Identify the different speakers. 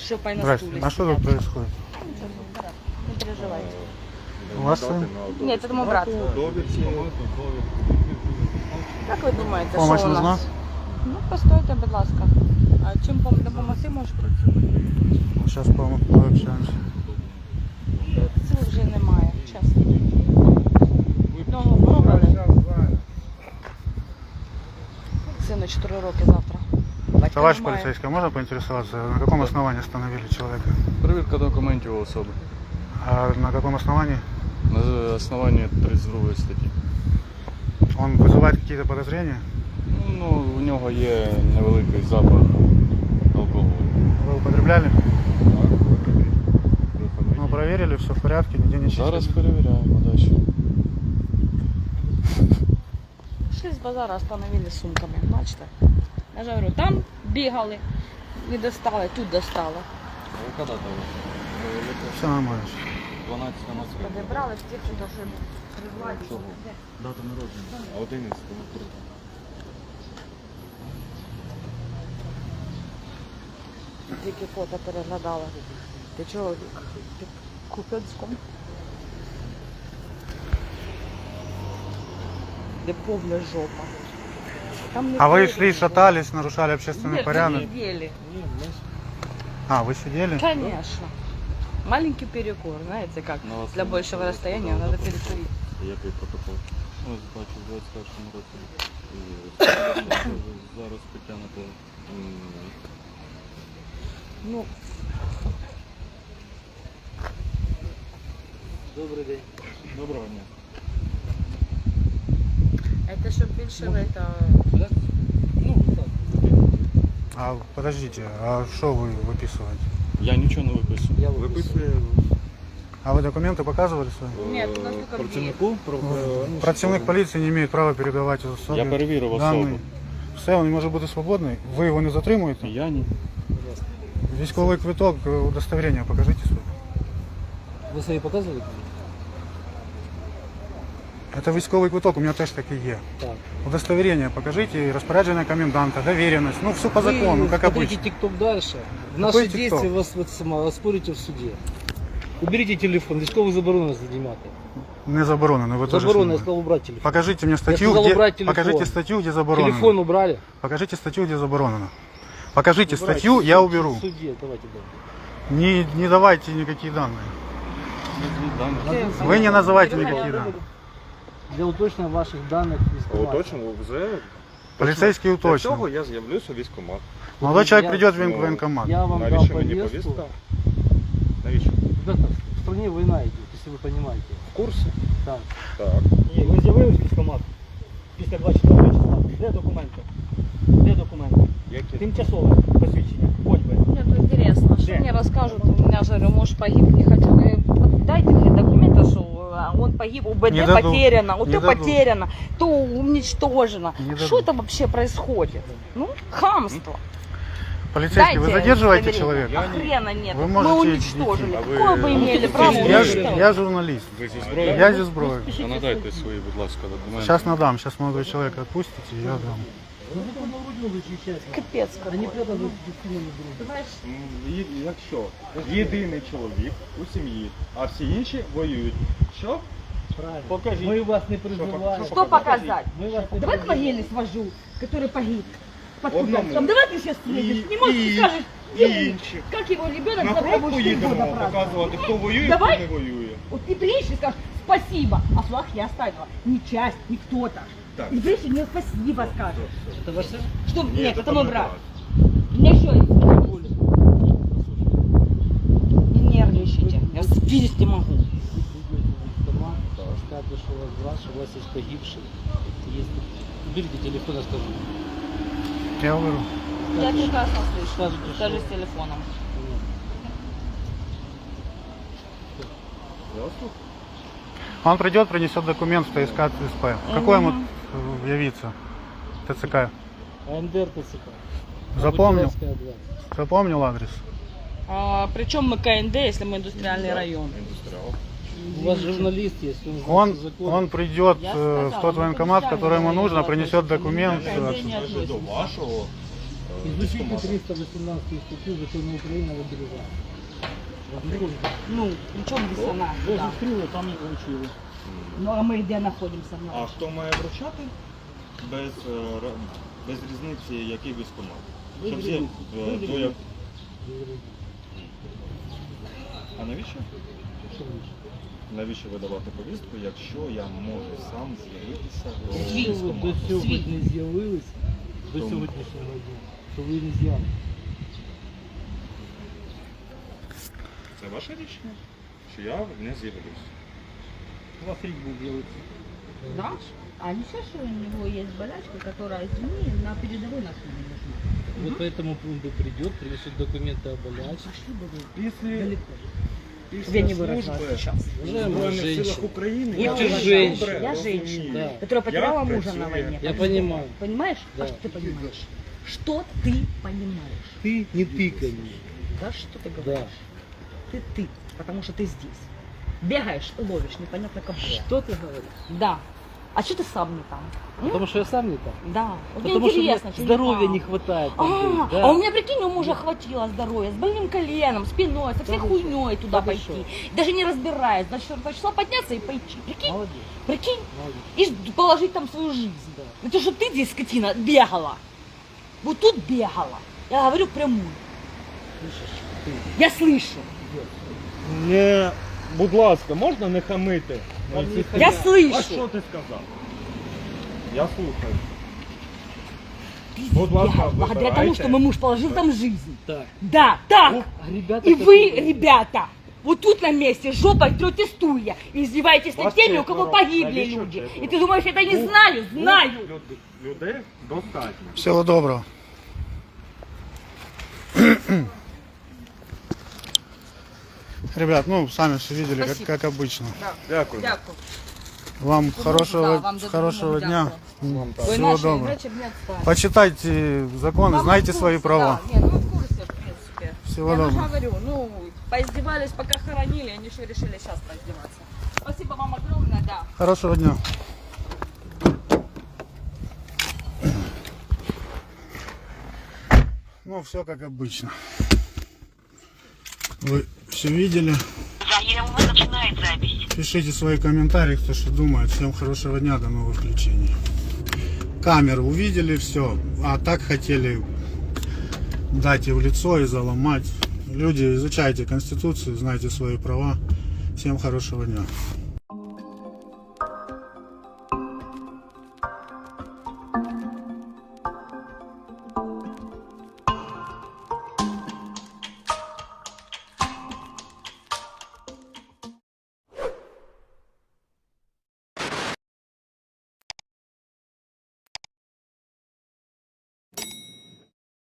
Speaker 1: шлепай на
Speaker 2: Здрасте.
Speaker 1: стуле.
Speaker 2: А что тут происходит?
Speaker 1: Не переживайте.
Speaker 2: У вас сын?
Speaker 1: Нет, это мой брат. Как ви думаєте,
Speaker 2: Помощь
Speaker 1: що у
Speaker 2: нужна?
Speaker 1: нас? Ну, постойте, будь ласка. А чим допомогти можеш працювати?
Speaker 2: Сейчас пообщаемся.
Speaker 1: Сил вже немає, чесно. Одного пробрали. Сину 4 роки завтра. Батька
Speaker 2: Товарищ
Speaker 1: немає.
Speaker 2: полицейский, можно поинтересоваться, на каком основании остановили человека?
Speaker 3: Перевірка документів особи.
Speaker 2: А на каком основании?
Speaker 3: На основанні 32 статті.
Speaker 2: Он вызывает какие-то подозрения?
Speaker 3: Ну, у нього є невеликий запах алкоголю.
Speaker 2: Вы употребляли? Ну, проверили, все в порядке, нигде не чистили?
Speaker 3: Зараз перевіряємо далі.
Speaker 1: Шли з базара, остановили сумками, бачите? Я ж говорю, там бігали, не достали, тут достали.
Speaker 3: Коли там?
Speaker 2: Все нормально.
Speaker 3: 12 Москви.
Speaker 1: Подібрали з тих, що призвати.
Speaker 3: Дата народження. А 11
Speaker 1: Тільки фото переглядала. Ти чоловік під Куп'янськом. Де повна жопа. Там не
Speaker 2: А вы
Speaker 1: повна
Speaker 2: шли,
Speaker 1: жопа.
Speaker 2: шатались, нарушали общественный
Speaker 1: Нет,
Speaker 2: порядок?
Speaker 1: мы сидели.
Speaker 2: А, вы сидели?
Speaker 1: Конечно. Маленький перекур, знаете как?
Speaker 3: На вас
Speaker 1: Для
Speaker 3: не
Speaker 1: большего
Speaker 3: було
Speaker 1: расстояния
Speaker 3: протоколу,
Speaker 1: надо
Speaker 3: да?
Speaker 1: перекурить.
Speaker 3: Який протокол? Ось бачу, в 21 році. Зараз притягнуто.
Speaker 1: Ну,
Speaker 3: Добрий день. Доброго дня.
Speaker 1: это щоб більше это...
Speaker 3: Ну, так.
Speaker 2: А, подождите, а что вы выписываете?
Speaker 3: Я нічого не виписую.
Speaker 4: Я виписую.
Speaker 2: А вы документы показывали свои?
Speaker 1: Нет, у нас только две.
Speaker 3: Працівнику?
Speaker 2: Противник полиции не имеет права передавать особі
Speaker 3: Я перевірив
Speaker 2: дані.
Speaker 3: особу.
Speaker 2: Все, він може бути свободний. Ви його не затримуєте?
Speaker 3: Я ні.
Speaker 2: Військовий квиток, удостоверення покажіть своє.
Speaker 4: Ви свої показували?
Speaker 2: Це військовий квиток, у мене теж такий є.
Speaker 4: Так.
Speaker 2: Удостоверение покажите, распоряджение коменданта, доверенность. Ну, все по закону, как
Speaker 4: смотрите
Speaker 2: обычно.
Speaker 4: ТикТок дальше. В
Speaker 2: Какой
Speaker 4: наши действия
Speaker 2: TikTok?
Speaker 4: вас оспорите в суде. Уберите телефон, військовий заборонено знімати.
Speaker 2: Не заборонено, вы тоже
Speaker 4: Заборонено, я
Speaker 2: снимаете.
Speaker 4: сказал убрать телефон.
Speaker 2: Покажите мне статью,
Speaker 4: сказал
Speaker 2: где...
Speaker 4: убрать телефон.
Speaker 2: Покажите статью, где заборонено.
Speaker 4: Телефон убрали.
Speaker 2: Покажите статью, где заборонено. Покажите
Speaker 4: Убрать.
Speaker 2: статью, я уберу.
Speaker 4: В суде, давайте, да.
Speaker 2: Не давайте никакие данные. Вы не называйте никакие данные.
Speaker 4: Для уточнення ваших даних військкомату.
Speaker 5: Уточнимо вже.
Speaker 2: Полицейский
Speaker 5: Для цього
Speaker 2: уточнил.
Speaker 5: я з'явлюся в військкомат.
Speaker 2: Молодой человек придет в
Speaker 5: ну,
Speaker 2: военкомат.
Speaker 4: Я вам дал
Speaker 5: Навіщо мені
Speaker 4: повестку.
Speaker 5: повістка? Навіщо?
Speaker 4: Ребята, в стране война идет, если вы понимаете.
Speaker 5: В курсі?
Speaker 4: Так.
Speaker 5: Так.
Speaker 6: Ні, ви з'явились в військкомат після 24 числа. Де документи? Де документи?
Speaker 5: Які?
Speaker 6: Тимчасове посвідчення. Хоч би.
Speaker 1: Мне тут интересно, что
Speaker 6: Где?
Speaker 1: мне расскажут, у меня же говорю, муж погиб, не хотел. Дайте мне документы, что он погиб, УБД
Speaker 2: Не дадут.
Speaker 1: потеряно,
Speaker 2: Не
Speaker 1: то
Speaker 2: дадут.
Speaker 1: потеряно, то уничтожено.
Speaker 2: Не
Speaker 1: Что
Speaker 2: дадут.
Speaker 1: это вообще происходит? Ну, хамство.
Speaker 2: Полицейский, вы
Speaker 1: Дайте
Speaker 2: задерживаете
Speaker 1: удостоверение.
Speaker 2: человека?
Speaker 1: А хрена нет.
Speaker 2: Вы
Speaker 1: Мы
Speaker 2: можете
Speaker 1: уничтожили.
Speaker 5: идти. А вы-
Speaker 1: Какое вы имели право
Speaker 2: Я
Speaker 1: уничтожить?
Speaker 2: журналист.
Speaker 3: Ви зі зброєю?
Speaker 2: Я зі зброєю.
Speaker 3: А надайте свої, будь ласка, документи.
Speaker 2: Сейчас надам, сейчас молодой человек отпустите, я дам.
Speaker 4: Ну, вы там на грудь защищаете.
Speaker 1: Капец
Speaker 4: Они
Speaker 1: какой.
Speaker 4: прямо на грудь.
Speaker 5: Якщо єдиний чоловік у сім'ї, а всі інші воюють. Що?
Speaker 4: Правильно.
Speaker 5: Покажіть.
Speaker 4: Мы вас не призываем.
Speaker 1: Что показать?
Speaker 4: Мы вас не
Speaker 7: Давай к
Speaker 4: призываем.
Speaker 7: военной свожу, который погиб. Под
Speaker 5: Одному.
Speaker 7: Купянском. Давай ты сейчас приедешь. Не можешь,
Speaker 5: і-
Speaker 7: скажешь,
Speaker 5: і
Speaker 7: где
Speaker 5: інші.
Speaker 7: как его ребенок
Speaker 5: На
Speaker 7: завтра
Speaker 5: фронт
Speaker 7: будет 4
Speaker 5: поїдемо
Speaker 7: года праздновать.
Speaker 5: показувати, хто воює,
Speaker 7: Давай.
Speaker 5: хто не воює.
Speaker 7: Вот ты приедешь и скажешь спасибо, а флаг я оставила. Не часть, не кто-то.
Speaker 5: Так.
Speaker 7: И приедешь и мне спасибо скажешь.
Speaker 4: Это ваш сын?
Speaker 7: Что?
Speaker 5: Ні,
Speaker 7: Нет,
Speaker 5: це
Speaker 7: это мой
Speaker 5: там
Speaker 7: брат.
Speaker 5: брат.
Speaker 7: У меня еще есть.
Speaker 1: Не нервничайте. Я спиздить не могу.
Speaker 4: Скажете, что у вас брат, что у вас есть погибший. Есть... Уберите телефон, я скажу.
Speaker 2: Я уберу.
Speaker 1: Я прекрасно слышу.
Speaker 4: Скажете,
Speaker 1: Даже
Speaker 4: что-
Speaker 1: с телефоном.
Speaker 2: Он придет, принесет документ в ТСК ТСП. Какой ему явиться? ТЦК.
Speaker 4: АМДР ТЦК.
Speaker 2: Запомнил?
Speaker 4: Бутиловская, 20.
Speaker 2: Запомнил адрес?
Speaker 1: Причем мы КНД, если мы индустриальный район.
Speaker 5: Індустріал.
Speaker 4: У вас журналист есть, он знает закон.
Speaker 2: Он придет
Speaker 1: Я
Speaker 2: в
Speaker 1: сказала,
Speaker 2: тот
Speaker 1: ну,
Speaker 2: военкомат,
Speaker 1: это
Speaker 2: который ему
Speaker 1: специально
Speaker 2: нужно,
Speaker 1: говорила,
Speaker 2: принесет
Speaker 1: что мы
Speaker 2: документ.
Speaker 1: к КНД не
Speaker 5: Вже до
Speaker 1: относимся.
Speaker 5: вашого
Speaker 6: Изучите
Speaker 5: військкомату.
Speaker 6: 318 статью Закона Украины об обережении.
Speaker 7: Ну, в чем диссонанс?
Speaker 6: Ви
Speaker 7: Да.
Speaker 6: зустріли, там і вручили.
Speaker 7: Ну, а мы где находимся?
Speaker 5: А хто має вручати? Без різниці, який військкомат.
Speaker 6: Без
Speaker 5: Щоб всі,
Speaker 6: різниці. Без
Speaker 5: до як... А навіщо?
Speaker 6: Що більше?
Speaker 5: Навіщо видавати повістку, якщо я можу сам з'явитися до
Speaker 6: Якщо ви до
Speaker 5: військкомату?
Speaker 6: сьогодні не з'явилися, до
Speaker 5: Тому.
Speaker 6: сьогоднішнього дня, то ви не з'явилися.
Speaker 5: Це ваше рішення, що я не з'явлюсь.
Speaker 6: У вас рік був з'явитися.
Speaker 7: Да? А не все, что у него есть болячка, которая, извини, на передовой нас не нужна.
Speaker 6: Вот по этому пункту придет, принесет документы о болячке.
Speaker 7: Пошли бы вы
Speaker 5: Після,
Speaker 7: далеко.
Speaker 5: після
Speaker 7: Я не выражалась
Speaker 5: служби
Speaker 7: сейчас.
Speaker 5: в Збройних силах України
Speaker 6: Будьте
Speaker 5: я вже
Speaker 6: женщина.
Speaker 5: добре
Speaker 7: Я
Speaker 5: розумію.
Speaker 7: женщина,
Speaker 6: Да.
Speaker 7: которая потеряла
Speaker 5: Я
Speaker 7: мужа на
Speaker 5: працюю.
Speaker 7: войне.
Speaker 6: Я понимаю.
Speaker 7: Понимаешь?
Speaker 6: Да.
Speaker 7: А что ты понимаешь? Что ты понимаешь?
Speaker 6: Ты не тыкай мне.
Speaker 7: Да что ты
Speaker 6: Да.
Speaker 7: говоришь? Ты, потому что ты здесь. Бегаешь, ловишь, непонятно кого.
Speaker 6: Что ты говоришь?
Speaker 7: Да. А что ты сам не там?
Speaker 6: Потому что я сам не там.
Speaker 7: Да. Вот мне
Speaker 6: Потому что мне
Speaker 7: интересно, что
Speaker 6: здоровья
Speaker 7: там.
Speaker 6: не хватает. там быть, да.
Speaker 7: А у меня, прикинь, у мужа хватило здоровья, с больным коленом, спиной, со всей
Speaker 6: Да вы
Speaker 7: хуйней туда
Speaker 6: Да вы
Speaker 7: пойти.
Speaker 6: что?
Speaker 7: Даже не разбираясь, до 4 числа подняться и пойти. Прикинь,
Speaker 6: Молодец.
Speaker 7: прикинь,
Speaker 6: Молодец.
Speaker 7: и положить там свою жизнь.
Speaker 6: Да.
Speaker 7: Это что ты здесь, скотина, бегала. Вот тут бегала. Я говорю прямую.
Speaker 6: Слышишь? Ты.
Speaker 7: Я слышу.
Speaker 5: Не, будь ласка, можна не хамити?
Speaker 6: Та ні,
Speaker 7: Я
Speaker 5: А
Speaker 7: слышу.
Speaker 5: що ти сказав? Я слухаю.
Speaker 7: Ты
Speaker 5: Будь ласка,
Speaker 7: бегала, благодаря тому,
Speaker 5: вибирайте.
Speaker 7: что мой муж положил там жизнь.
Speaker 6: Так.
Speaker 7: Да, так.
Speaker 6: А ребята
Speaker 7: И вы,
Speaker 6: такие-
Speaker 7: ребята, вот тут на месте жопой трете стулья и издеваетесь над
Speaker 5: Вас
Speaker 7: теми, у кого
Speaker 5: четверо.
Speaker 7: погибли
Speaker 5: Навіщо
Speaker 7: люди.
Speaker 5: четверо?
Speaker 7: И ты думаешь, это не знаю? Знаю.
Speaker 5: Людей достатньо.
Speaker 2: Всего доброго. Ребят, ну, сами все видели,
Speaker 7: Спасибо.
Speaker 2: как обычно.
Speaker 5: Дякую.
Speaker 7: Дякую.
Speaker 2: Вам хорошего,
Speaker 7: вам за
Speaker 2: хорошего
Speaker 7: допомогу,
Speaker 2: дня.
Speaker 5: Вам так.
Speaker 7: Ой,
Speaker 2: Всего
Speaker 7: наши
Speaker 2: доброго.
Speaker 7: врачи мне отстали.
Speaker 2: Почитайте законы,
Speaker 7: Да, мы
Speaker 2: знайте
Speaker 7: в
Speaker 2: свои
Speaker 7: курсе,
Speaker 2: права.
Speaker 7: Да. Не, ну мы в курсе, в принципе.
Speaker 2: Всего
Speaker 7: Я же
Speaker 2: доброго.
Speaker 7: говорю, ну, поиздевались, пока хоронили, они еще решили сейчас поиздеваться. Спасибо вам огромное, да.
Speaker 2: Хорошего дня. Ну, все как обычно. Вы все видели. Пишите свои комментарии, кто что думает. Всем хорошего дня, до новых включений. Камеру увидели, все. А так хотели дать и в лицо, и заломать. Люди, изучайте Конституцию, знайте свои права. Всем хорошего дня.